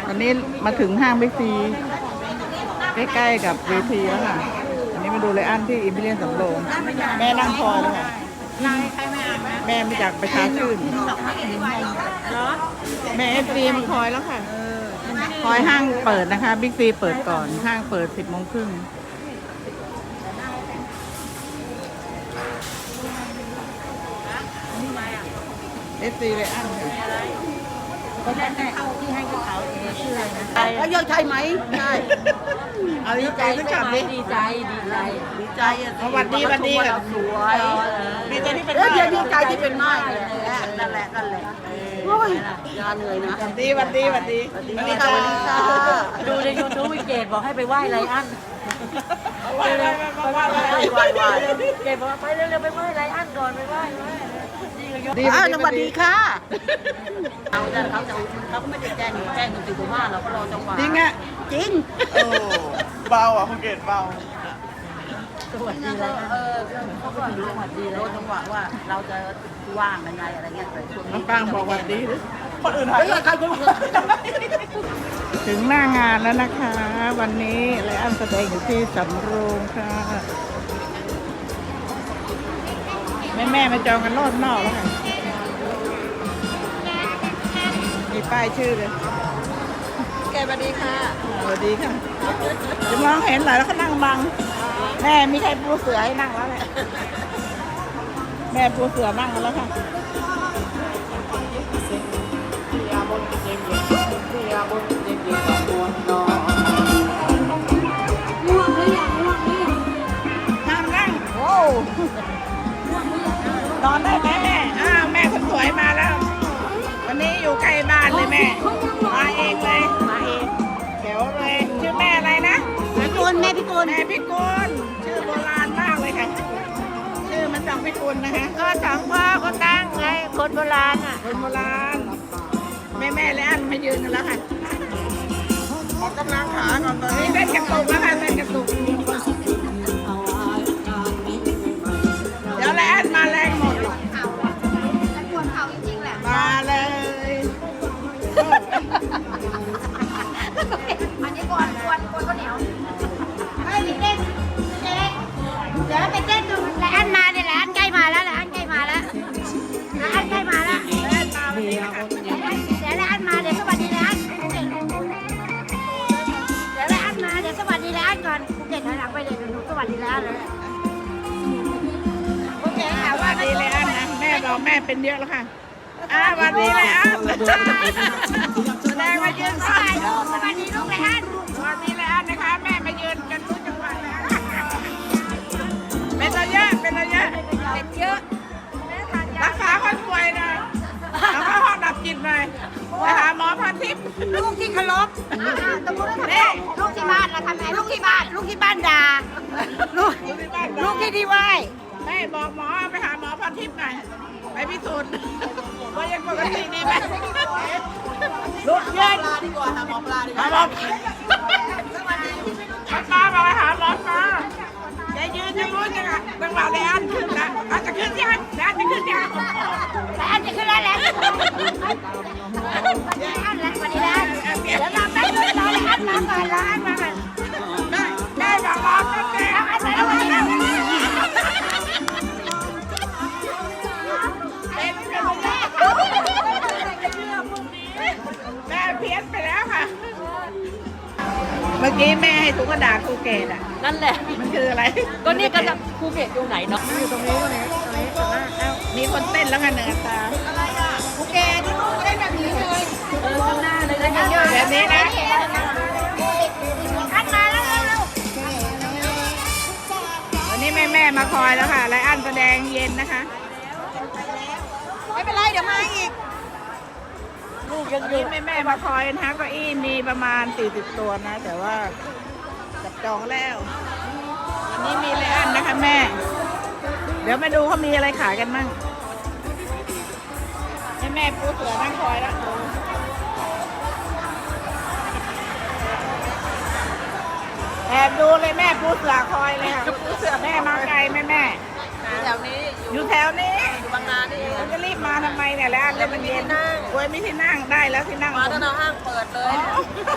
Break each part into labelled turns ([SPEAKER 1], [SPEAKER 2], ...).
[SPEAKER 1] วันนี้มาถึงห้างบิ๊กซีใกล้ๆกับเวทีแล้วค่ะอันนี้มาดูเลยอันที่อิมพีเรียลสำโรงแม่นั่งคอยแล้วค่ะแม่มาจากประชาชื่นแม่FCมาคอยแล้วค่ะคอยห้างเปิดนะคะบิ๊กซีเปิดก่อนห้างเปิด10:30FC เลยอัน
[SPEAKER 2] ก็ได้เอาที่ให้เขาชื่ออะไรนะแล้วยอดใช่ไหมใช่
[SPEAKER 1] เอาดีใจสักคำดิ
[SPEAKER 2] ดีใจ
[SPEAKER 1] สวัสดีกัน
[SPEAKER 2] สวย
[SPEAKER 1] ดีใจที่เป็น
[SPEAKER 2] ดีใจที่เป็นไม้นั่นแหละโอ้ยงานเลยนะ
[SPEAKER 1] สวัสดีค่ะ
[SPEAKER 2] ดูในยูทูบวิเกตบอกให้ไปไหว้ไรอันเกตบอกไปเร็วๆไปไหว้ไรอันก่อนไปไหว้สวัสดีค่ะเขาไม่ได้แจ้งถึงว่าเราก็รอจังหวะ
[SPEAKER 1] จริงอ่ะ
[SPEAKER 2] จริง
[SPEAKER 1] เบาอ่ะคุณเกดเบา
[SPEAKER 2] สวัสดีแล้วเขาก็รู้สวัสดีแล้วจังหวะว่าเราจะว่างยังไงอะไรเงี้ยแต่ช่วงนี้
[SPEAKER 1] ปังบอกสวัสดีคนอื่นหายถึงหน้างานแล้วนะคะ วันนี้ไรอันแสดงอยู่ที่สำโรงค่ะแม่มาจองกันรอบนอกแล้วค่ะมีป้ายชื่อเลย
[SPEAKER 2] แกสวัสดีค่ะ
[SPEAKER 1] สวัสดีค่ะจะมองเห็นหน่อยแล้วก็นั่งบังแม่มีใครปูเสือให้นั่งแล้วแหละแม่ปูเสือนั่งกันแล้วค่ะห้ามนั่งโอ้นอนได้ไหมแม่แม่คนสวยมาแล้ววันนี้อยู่ใกล้บ้านเลยแม่มาเองเลยเดี๋ยวเลยชื่อแม่อะไรนะ
[SPEAKER 2] แม่พิกุล
[SPEAKER 1] ชื่อโบราณมากเลยค่ะชื่อมันจากพิกุลนะคะ
[SPEAKER 2] ก็สังพ่อก็ตั้งไงคนโบราณอ่ะ
[SPEAKER 1] คนโบราณแม่และอันมายืนกันแล้วค่ะออกกำลังขาก่อนตอนนี้เล่นกระตุกแล้วค่ะเล่นกระตุกเดี๋ยวและอันมาแรงหมดมาเลย
[SPEAKER 3] อันนี้กวนข้าวเหนียวเฮ้ยเต้นเดี๋ยวไปเต้นดูแล้วอันมาเนี่ยแหละอันใกล้มาแล้วอันใกล้มาแล้วอันใกล้มาแล้วเดี๋ยวแล้วอันมาเดี๋ยวสวัสดีแล้วเดี๋ยวแล้วอันมาเดี๋ยวสวัสดีแล้วก่อนภูเก็ตถอยหลังไปเลยหนูสวัสดีแล้วเลย
[SPEAKER 1] โอเคค่ะว่าดีเลยอันนะแม่บอกแม่เป็นเยอะแล้วค่ะวันนี้เลยอันแสดงมายืนสายลูก
[SPEAKER 3] สวัสดีลูกเลยอัน
[SPEAKER 1] วันนี้เลยอันนะคะแม่มายืนกันทุกจังหวัดเลยเป็นระยะ
[SPEAKER 3] เป็นเยอะ
[SPEAKER 1] รักษาคนป่วยหน่อยแล้วก็ห้องดับจิตหน่อยไปหาหมอพันทิพย์
[SPEAKER 3] ลูกที่เคารพนี่ลูกที่บ้านเราทำไงลูกที่บ้านด่าลูกที่ไหว้
[SPEAKER 1] แม่บอกหมอไปหาหมอพันทิพย์หน่อยไปพิสูจน์ว่ายังปกติดีไหม
[SPEAKER 2] ลูกเย็นดีกว่าหาหมอปลาดีกว่า
[SPEAKER 1] หมอปลามาหาหมอปลาจะยืนจะรู้จังอ่ะจังหวะเลยอันขึ้นนะอันจะขึ้นยังอันจะขึ้นยัง
[SPEAKER 3] อันจะขึ้นแล้วอันแล้ววันนี้แล้วเดี๋ยวเราไปรออันมาก่อนอันมาก่อน
[SPEAKER 1] ได้บอกรอแป๊บเดียว
[SPEAKER 3] อันมาแล้ว
[SPEAKER 1] แม่เพี้ยนไปแล้วค่ะเมื่อกี้แม่ให้ทุกกระดาษภูเก็ตอ่ะ
[SPEAKER 2] นั่นแหละ
[SPEAKER 1] มันคืออะไร
[SPEAKER 2] ก็นี่ก็จะภูเก็ตอยู่ไหนเนาะ
[SPEAKER 1] อยู่ตรงนี้มีคนเต้นแล้วกันเหนือตา
[SPEAKER 3] อะไรอ่ะภูเก็ตที่ลูกเต้นแบบนี้เลย
[SPEAKER 2] ข้างหน้าเลยนะ
[SPEAKER 1] แบบนี้นะ
[SPEAKER 3] อันมาแล้ว
[SPEAKER 1] วันนี้แม่มาคอยแล้วค่ะไรอันแสดงเย็นนะคะ
[SPEAKER 3] ไม่เป็นไรเดี๋ยวมาอีก
[SPEAKER 1] ลูกยังอยู่แม่มาคอยนะคะเก้าอี้มีประมาณ40ตัวนะแต่ว่าจับจองแล้ววันนี้มีไรอันนะคะแม่เดี๋ยวมาดูเขามีอะไรขายกันมั่งแม่ปูเสือนั่งคอยแล้วแอบดูเลยแม่ปูเสือคอยเลยค่ะปูเสือแม่มาไกลแม่
[SPEAKER 2] แถวนี้
[SPEAKER 1] อยู่แถวนี้
[SPEAKER 2] บางนานี่
[SPEAKER 1] จะรีบมาทำไมเนี่ยแล้วอันเลยมันเย็นโอ้ยไม่ที่นั่งได้แล้วที่นั่ง
[SPEAKER 2] มาตอนห้างเปิดเลย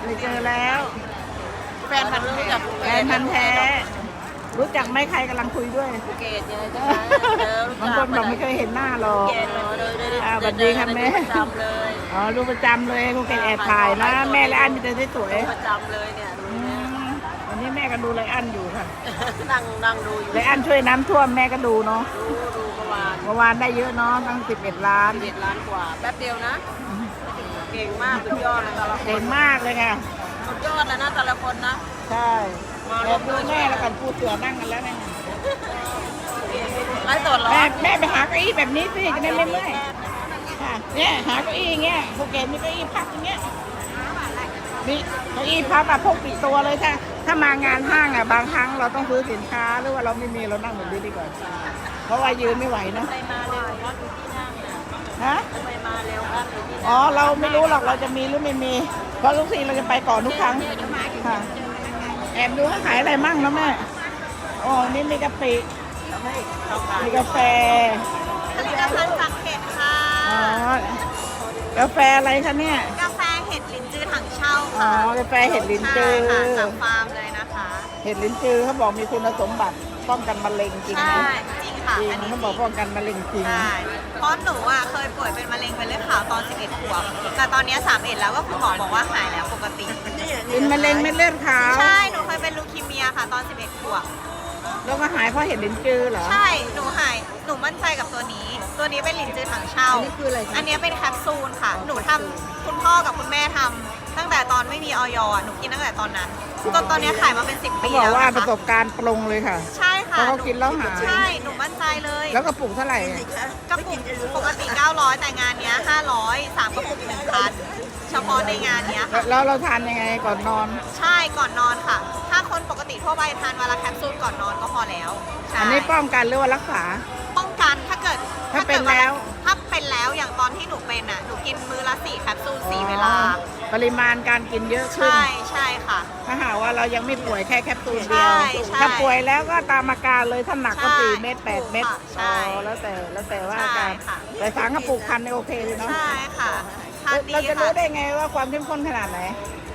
[SPEAKER 1] เลยเจอแล้ว
[SPEAKER 2] แฟนพันธุ์รู้จัก
[SPEAKER 1] แฟนพันธุ์แท้ รู้จักไหมใครกำลังคุยด้วย
[SPEAKER 2] ภูเก็ตยังไงใช่ไหม
[SPEAKER 1] บางคนบอกไม่เคยเห็นหน้าหรอก
[SPEAKER 2] เกตเลย
[SPEAKER 1] สวัสดีค่ะแม่
[SPEAKER 2] จำเลย
[SPEAKER 1] อ๋อดูประจำเลยภูเก็ตแอบถ่ายนะแม่และอันมีแต่สวย
[SPEAKER 2] ประจำเลยเนี่ยดู
[SPEAKER 1] ๆ
[SPEAKER 2] เนี่ย
[SPEAKER 1] วันนี้แม่ก็ดูไรอันอยู่ค่ะ
[SPEAKER 2] นั่งดูอยู่
[SPEAKER 1] ไรอันช่วยน้ำท่วมแม่ก็ดูเนาะ
[SPEAKER 2] ดูประมาณ
[SPEAKER 1] เมื่อวานได้เยอะเนาะตั้ง11 ล้าน
[SPEAKER 2] 11 ล้านกว่าแป๊บเดียวนะ เก่งมากสุดยอดเลยแต่ละค
[SPEAKER 1] เก่
[SPEAKER 2] น
[SPEAKER 1] งมากเลยค่ะ
[SPEAKER 2] สุดยอดเลยนะแต่ละคนนะ
[SPEAKER 1] ใช่แอบดูแม่แล้วกันพูดเสือนั่งกันแล้วเนี่ย
[SPEAKER 2] ไล่สดเหรอ
[SPEAKER 1] แม่ไปหาเก้าอี้แบบนี้สิจะได้ไม่เมื่อยค่ะเนี่ยหาเก้าอี้อย่างเงี้ยภูเก็ตมีเก้าอี้พับอย่างเงี้ยมีเก้าอี้พับแบบพกติดตัวเลยถ้ามางานห้างอ่ะบางครั้งเราต้องซื้อสินค้าหรือว่าเราไม่มีเรานั่งแบบนี้ดีกว่าเพราะว่ายืนไม่ไหวเนอะ
[SPEAKER 2] ไปมาเร็วครับอยู่ที่นั่งเนี่ย
[SPEAKER 1] ฮะ
[SPEAKER 2] ไปมาเร็วครับอยู่ที่นั่ง
[SPEAKER 1] อ๋อเราไม่รู้หรอกเราจะมีหรือไม่มี เพราะทุกทีเราจะไปก่อนทุกครั้งค่ะแอบดูเขาขายอะไรมั่งนะแม่อ๋อนี่มีกะปิมีกาแฟ
[SPEAKER 3] ผลิตภัณฑ์จากเห็ดค่ะ
[SPEAKER 1] อ๋อกาแฟอะไรคะเนี่ย
[SPEAKER 3] กาแฟเห็ดลิ้นจือถังเช่า
[SPEAKER 1] อ๋อ
[SPEAKER 3] ค่ะ
[SPEAKER 1] กาแฟเห็ดลิ้นจือ
[SPEAKER 3] ใช่ค่ะจากฟาร์มเลยนะคะ
[SPEAKER 1] เห็ดลิ้นจือเขาบอกมีคุณสมบัติป้องกันมะเร็งจริงไหม
[SPEAKER 3] ใช่จริงค่ะ
[SPEAKER 1] จริง
[SPEAKER 3] อันนี้
[SPEAKER 1] เขาบอกป้องกันมะเร็งจริง
[SPEAKER 3] ใช่เพราะหนูอ่ะเคยป่วยเป็นมะเร็งเป็นเลือดขาวตอน 11 ขวบ แต่ตอนนี้ 31 แล้วก็คุณหมอบอกว่าหายแล้วปกติ
[SPEAKER 1] เป็นมะเร็งเม็ดเลือดขาว
[SPEAKER 3] ใช่ หนูเคยเป็นลูคีเมียค่ะตอน 11 ขวบ
[SPEAKER 1] แล้วก็หายเพราะเห็ดลิ้นจือเหรอ
[SPEAKER 3] ใช่ หนูหาย หนูมั่นใจกับตัวนี้ ตัวนี้เป็นลิ้นจือถังเช่า
[SPEAKER 1] อันนี้คืออะไรคะ
[SPEAKER 3] อันนี้เป็นแคปซูลค่ะ หนูทำคุณพ่อกับคุณแม่ทำตั้งแต่ตอนไม่มีออยอ่ะ หนูกินตั้งแต่ตอนนั้นตอนนี้ขายมาเป็น 10
[SPEAKER 1] เขา
[SPEAKER 3] ปี
[SPEAKER 1] บอก
[SPEAKER 3] แล้ว
[SPEAKER 1] ว่า
[SPEAKER 3] นะ
[SPEAKER 1] ประ
[SPEAKER 3] คะ
[SPEAKER 1] สบการณ์ปรงเลยค่ะ
[SPEAKER 3] ใช่ค่ะ
[SPEAKER 1] เพราะเขากินแล้วหาย
[SPEAKER 3] ใช่ หนูมั่นใจเลย
[SPEAKER 1] แล้วกระปุกเท่าไหร่
[SPEAKER 3] กระปุกปกติ 900 แต่งานเนี้ย 500 3 กระปุก 1,000 เฉพาะในงานเนี้ยค่ะ
[SPEAKER 1] แล้วเราทานยังไงก่อนนอน
[SPEAKER 3] ใช่ ก่อนนอนค่ะ ถ้าคนปกติทั่วไปทานวันละแคปซูลก่อนนอนก็พอแล้วใช่
[SPEAKER 1] อันนี้ป้องกันหรือว่ารักษา
[SPEAKER 3] ป้องกันถ้าเกิด
[SPEAKER 1] ถ้าเป็นแล้ว
[SPEAKER 3] ถ้าเป็นแล้วอย่างตอนที่หนูเป็นอ่ะ หนูกินมื้อละ4 แคปซูล 4 เวลา
[SPEAKER 1] ปริมาณการกินเยอะขึ้น
[SPEAKER 3] ใช่ใช่ค่ะ
[SPEAKER 1] ถ้าหากว่าเรายังไม่ป่วยแค่แคปซูลเดียว
[SPEAKER 3] ใช่ใช่
[SPEAKER 1] ถ้าป่วยแล้วก็ตามอาการเลยถ้าหนักก็
[SPEAKER 3] ใช่
[SPEAKER 1] 4 เม็ด8 เม็ด
[SPEAKER 3] ใช่
[SPEAKER 1] อ๋อแล้วแต่ว่าอาการ
[SPEAKER 3] ใช่ค่ะ
[SPEAKER 1] แต่สารกระปุกพันเนี่ยโอเคเลยเนาะ
[SPEAKER 3] ใช่ค่ะทานดี
[SPEAKER 1] เราจะ
[SPEAKER 3] ค่ะ
[SPEAKER 1] รู้ได้ไงว่าความเข้มข้นขนาดไหน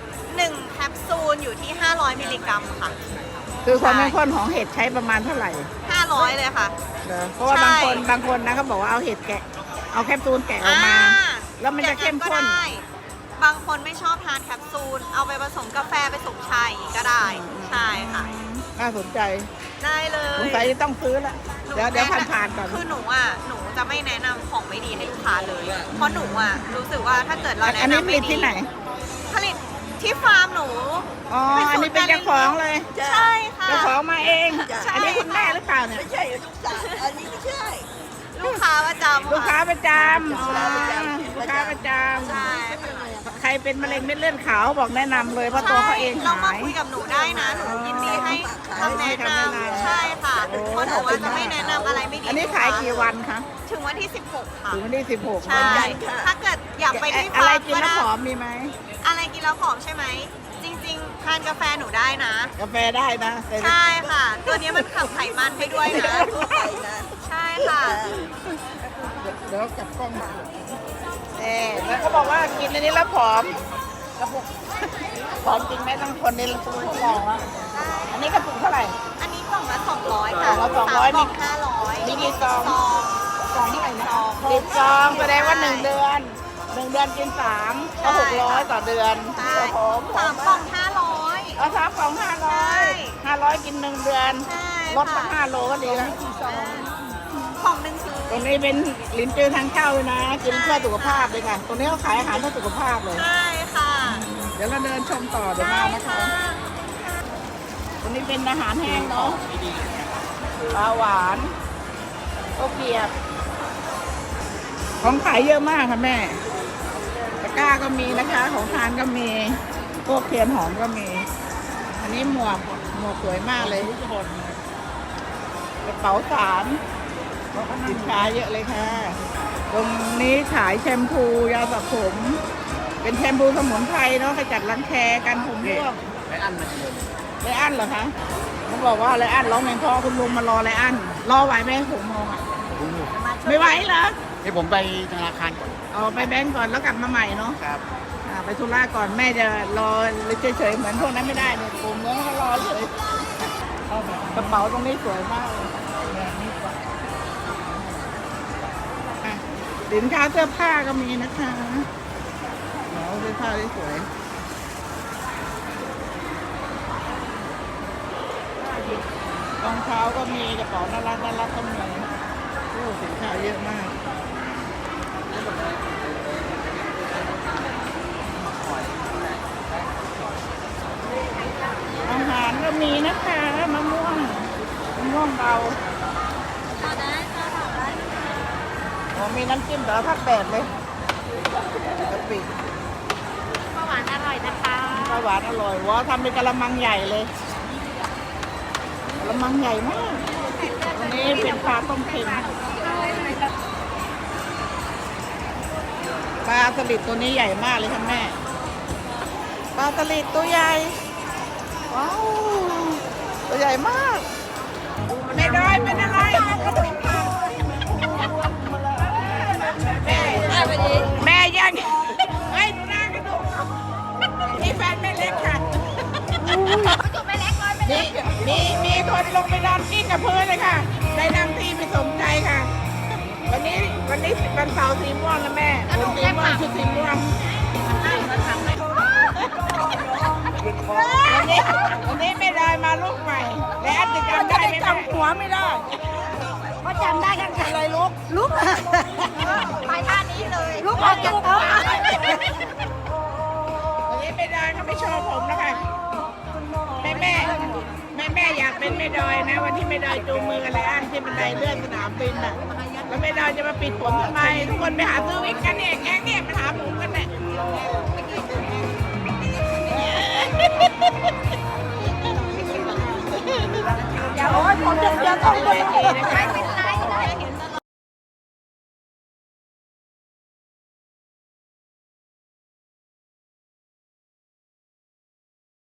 [SPEAKER 3] 1 แคปซูลอยู่ที่ 500 มิลลิกรัมค่ะ
[SPEAKER 1] คือความเข้มข้นของเห็ดใช้ประมาณเท่าไหร่
[SPEAKER 3] 500 เลยค่ะ
[SPEAKER 1] เหรอเพราะว่า
[SPEAKER 3] ใช่
[SPEAKER 1] บางคนนะเขาบอกว่าเอาเห็ดแกะ เอาแคปซูลแกะออกมา แล้วมันจะเข้มข้น
[SPEAKER 3] ก็ได้บางคนไม่ชอบทานแคปซูล เอาไปผสมกาแฟไปผสมชาอย่างนี้ก็ได้ ใช่ค่ะ
[SPEAKER 1] น่าสนใจ
[SPEAKER 3] ได้เลย
[SPEAKER 1] สงสัยจะต้องซื้อละ
[SPEAKER 3] หนู
[SPEAKER 1] เดี๋ยวผ่านๆก่อน
[SPEAKER 3] คือหนูจะไม่แนะนำของไม่ดีให้ลูกค้าเลย เพราะหนูรู้สึกว่าถ้าเกิดเราแนะ
[SPEAKER 1] อันนี้
[SPEAKER 3] นำ
[SPEAKER 1] ผ
[SPEAKER 3] ไม่
[SPEAKER 1] ลิต
[SPEAKER 3] ดี
[SPEAKER 1] ที่ไหน
[SPEAKER 3] ผลิตที่ฟาร์มหนู
[SPEAKER 1] อ๋อ อันนี้เป็นเจ้าของเลย
[SPEAKER 3] ใช่ค่ะ
[SPEAKER 1] เจ้าของมาเอง
[SPEAKER 3] ใช่
[SPEAKER 1] อันนี้คุณแม่หรือเปล่าเนี่ย
[SPEAKER 2] ไม่ใช่ลูกสาวอันนี้ไม่ใช่
[SPEAKER 3] ลูกค้าประจำ
[SPEAKER 1] ลูกค้า
[SPEAKER 3] ค่ะ
[SPEAKER 1] ประจำอ๋อลูกค้าประจ
[SPEAKER 3] ใช่
[SPEAKER 1] ำใครเป็นมะเร็งเม็ดเลือดขาวบอกแนะนำเลยเพราะตัวเขาเอง
[SPEAKER 3] ลองมา
[SPEAKER 1] หาย
[SPEAKER 3] คุยกับหนูได้นะ หนูยินดีให้คำแนะนำใช่ค่ะ
[SPEAKER 1] โอ้
[SPEAKER 3] เพราะหนูจะไม่แนะนำอะไรไม่ดี
[SPEAKER 1] อันนี้ขายกี่วันคะ
[SPEAKER 3] ถึงวันที่ 16 ค่ะ
[SPEAKER 1] ถึงวันที่16
[SPEAKER 3] ใช่ ถ้าเกิดอยากไปที่
[SPEAKER 1] อะไร
[SPEAKER 3] ฟาร์ม
[SPEAKER 1] กิน
[SPEAKER 3] ก็
[SPEAKER 1] แล้ว
[SPEAKER 3] ได้
[SPEAKER 1] ผอมมีไหม
[SPEAKER 3] อะไรกินแล้วผอมใช่ไหม จริงๆ ทานกาแฟหนูได้นะ
[SPEAKER 1] กาแฟได้นะแต่
[SPEAKER 3] ใช่ค่ะ ตัวนี้มันขับไขมันไปด้วยนะ ใช่ค่ะ
[SPEAKER 1] เดี๋ยวกลับกล้องมาแล้วเขาบอกว่ากินอันนี้แล้วผอมกระปุกผอมจริงไหมต้องคนในตัวมองว่าอันนี้กระปุกเท่าไหร่
[SPEAKER 3] อันนี้กล่องละ200 ค่ะ
[SPEAKER 1] กล่องละ200
[SPEAKER 3] สามกล่อง500
[SPEAKER 1] มีกี่ซอง
[SPEAKER 3] ซอง
[SPEAKER 1] ซองเท่าไหร่นะ10 ซองแสดงว่า1 เดือน1 เดือนกิน3ก็600 ต่อเดือน
[SPEAKER 3] ใช่
[SPEAKER 1] โอ้โห
[SPEAKER 3] สามกล่อง500
[SPEAKER 1] เอา3 กล่อง500กิน1 เดือน
[SPEAKER 3] ใช่
[SPEAKER 1] ลดมา5 โลก็ดีนะ
[SPEAKER 3] ของหนึ่งคือ
[SPEAKER 1] ตรงนี้เป็นลิ้นจือทางเข้าเลยนะ กินเพื่อสุขภาพเลยค่ะ ตรงนี้เขาขายอาหารเพื่อสุขภาพเลย
[SPEAKER 3] ใช่ค่ะ
[SPEAKER 1] เดี๋ยวเราเดินชมต่อเดี๋ยว
[SPEAKER 3] ใช่
[SPEAKER 1] มานะคะ
[SPEAKER 3] ค่ะ
[SPEAKER 1] ตรงนี้เป็นอาหารแห้งเนาะปลาหวานข้าวเกรียบ ของขายเยอะมากค่ะแม่ ตะกร้าก็มีนะคะ ของทานก็มี พวกเทียนหอมก็มี อันนี้หมวกสวยมากเลยกระเป๋าสารสินค้าเยอะเลยค่ะ ตรงนี้ขายแชมพูยาสระผม เป็นแชมพูสมุนไพรเนาะขจัดรังแคกันผมร่วง
[SPEAKER 2] ไม่อั้นมันเลย
[SPEAKER 1] ไรอันเหรอคะเขาบอกว่าไรอันร้องเพลงเพอคุณลุงมารอไรอันรอไหวไหม6 โมงอ่ะไม่ไหวเหรอ
[SPEAKER 2] ให้ผมไปธนาคารก่อน
[SPEAKER 1] เอาไปแบงก์ก่อนแล้วกลับมาใหม่เนาะ
[SPEAKER 2] ครับ
[SPEAKER 1] คไปธุระก่อนแม่จะรอเฉยๆเหมือนพวกนั้นไม่ได้เนี่ยกลุ่มนั้นก็รอเลยกระเป๋าตรงนี้สวยมากเลยอ่ะสินค้าเสื้อผ้าก็มีนะคะเสื้อผ้าที่สวยรองเท้าก็มีกระเป๋าน่ารักก็มีโอ้สินค้าเยอะมากอาหารก็มีนะคะมะม่วงเบาอ๋อมีน้ำจิ้มแต่ละภาคแปดเลยกะปิ
[SPEAKER 3] ข้าวหวานอร่อยนะคะ
[SPEAKER 1] ปลาหวานอร่อยว้าทำเป็นกะละมังใหญ่เลยกะละมังใหญ่มากอันนี้เป็นปลาต้มเค็มปลาสลิดตัวนี้ใหญ่มากเลยค่ะแม่ปลาสลิดตัวใหญ่ว้าวตัวใหญ่มากไม่ได้เป็นอะไรแม่ยังเฮ้ยดูหน้ากระดูกนี่แฟนแม่เล็กค่ะ
[SPEAKER 3] ไม่จุกไม่เล็กเลยไม่เล็ก
[SPEAKER 1] มีคนลงไปนอนกิ้งกับพื้นเลยค่ะ ได้นั่งที่ไม่สมใจค่ะ วันนี้วันเสาร์สีม่วงแล้วแม่ผมสีม่วงชุดสีม่วงวันนี้ไม่ได้มาลูกใหม่ และอันจะจำได้ไหมจำหัวไม่ได้
[SPEAKER 3] เขาจำได้กันค่ะ
[SPEAKER 1] อะไรลูก
[SPEAKER 3] ลุกไปท่านี้เลยลุกออกจากโต๊ะ
[SPEAKER 1] วันนี้ไม่ได้เขาไม่ชอบผมแล้วค่ะแม่อยากเป็นแม่ดอยนะ วันที่แม่ดอยจูงมือกันเลยอันที่บันไดเลื่อนสนามบินน่ะแล้วแม่ดอยจะมาปิดผมทำไมทุกคนไปหาซื้อวิกกันเนี่ยแก๊งเนี่ยมาหาผมกันเนี่ยอย่าโอ้ยผมจะต้องไป